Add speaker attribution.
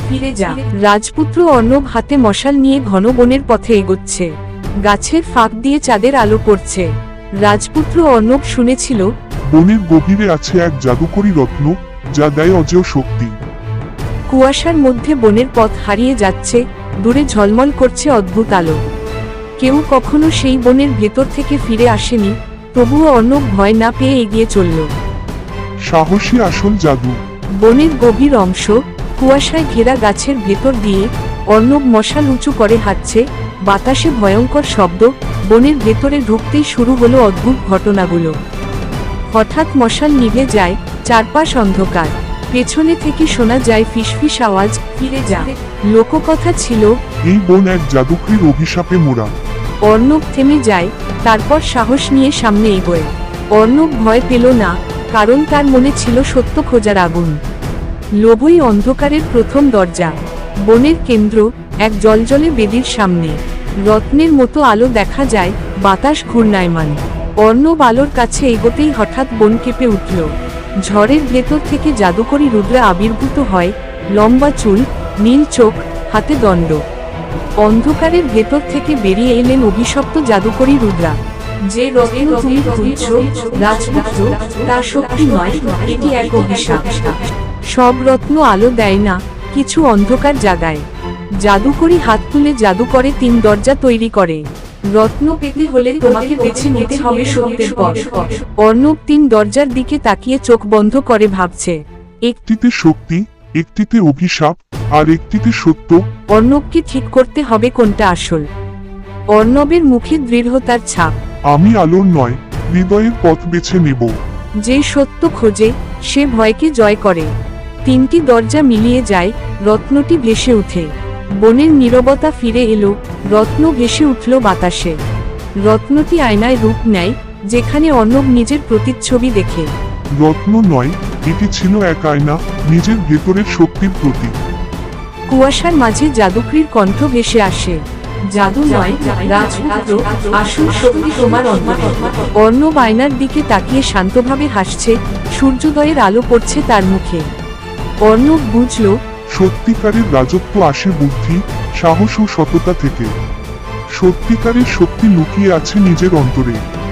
Speaker 1: ফিরে যা। রাজপুত্র অর্ণব হাতে মশাল নিয়ে ঘন বনের পথে এগোচ্ছে। গাছের ফাঁক দিয়ে চাঁদের আলো পড়ছে। রাজপুত্র অর্ণব শুনেছিল,
Speaker 2: বনের গভীরে আছে এক জাদুকরী রত্ন, যা দেয় অজেয় শক্তি।
Speaker 1: কুয়াশার মধ্যে বনের পথ হারিয়ে যাচ্ছে, দূরে ঝলমল করছে অদ্ভুত আলো। কেউ কখনো সেই বনের ভেতর থেকে ফিরে আসেনি, তবুও অর্ণব ভয় না পেয়ে এগিয়ে চলল।
Speaker 2: সাহসী আসল জাদু।
Speaker 1: বনের গভীর অংশ, কুয়াশায় ঘেরা গাছের ভেতর দিয়ে অর্ণব মশাল উঁচু করে হাঁটছে। বাতাসে ভয়ঙ্কর শব্দ, বনের ভেতরে ঢুকতেই শুরু হলো অদ্ভুত ঘটনাগুলো। হঠাৎ মশাল নিভে যায়, চারপাশ অন্ধকার। পেছনে থেকে শোনা যায় ফিসফিস আওয়াজ, ফিরে যা। লোককথা ছিল,
Speaker 2: এই বন এক জাদুকরীর অভিশাপে মোড়া।
Speaker 1: অর্ণব থেমে যায়, তারপর সাহস নিয়ে সামনে এগোয়। অর্ণব ভয় পেল না, কারণ তার মনে ছিল সত্য খোঁজার আগুন। লোভই অন্ধকারের প্রথম দরজা। বনের কেন্দ্র, এক জলজলে বেদির সামনে রত্নের মতো আলো দেখা যায়, বাতাস ঘূর্ণায়মান। অর্ণব আলোর কাছে এগোতেই হঠাৎ বন কেঁপে উঠল। ঝড়ের ভেতর থেকে জাদুকরী রুদ্রা আবির্ভূত হয়, লম্বা চুল, নীল চোখ, হাতে দণ্ড। অন্ধকারের ভেতর থেকে বেরিয়ে এলেন অভিশপ্ত জাদুকরী রুদ্রা। যে রত্ন তুমি খুঁজছ, রাজপুত্র, তা শক্তি নয়, এটি এক অভিশাপ। সব রত্ন আলো দেয় না, কিছু অন্ধকার জাগায়। জাদুকরী হাত তুলে জাদু করে 3 দরজা তৈরি করে। রত্ন পেতে হলে তোমাকে বেছে নিতে হবে সত্যের পথ। অর্ণব 3 দরজার দিকে তাকিয়ে চোখ বন্ধ করে ভাবছে।
Speaker 2: একটিতে শক্তি, একটিতে অভিশাপ, আর একটিতে সত্য।
Speaker 1: অর্ণবকে ঠিক করতে হবে কোনটা আসল। অর্ণবের মুখে দৃঢ়তার ছাপ।
Speaker 2: আমি আলোর নয়, হৃদয়ের পথ বেছে নেব।
Speaker 1: যে সত্য খোঁজে, সে ভয়কে জয় করে। 3টি দরজা মিলিয়ে যায়, রত্নটি ভেসে ওঠে। বনের নীরবতা ফিরে এলো, রত্ন ভেসে উঠল বাতাসে। রত্নটি আয়নায় রূপ নেয়, যেখানে অর্ণব নিজের প্রতিচ্ছবি দেখে।
Speaker 2: রত্ন নয়, এটি ছিল এক আয়না, নিজের ভেতরের শক্তির প্রতীক।
Speaker 1: কুয়াশার মাঝে জাদুকরীর কণ্ঠ ভেসে আসে। জাদু নয়, রাজপুত্র, আসল শক্তি তোমার অন্তরে। অর্ণব আয়নার দিকে তাকিয়ে শান্তভাবে হাসছে, সূর্যোদয়ের আলো পড়ছে তার মুখে। অর্ণব বুঝল,
Speaker 2: সত্যিকারের রাজত্ব আসে বুদ্ধি, সাহস ও সততা থেকে। সত্যিকারের শক্তি লুকিয়ে আছে নিজের অন্তরে।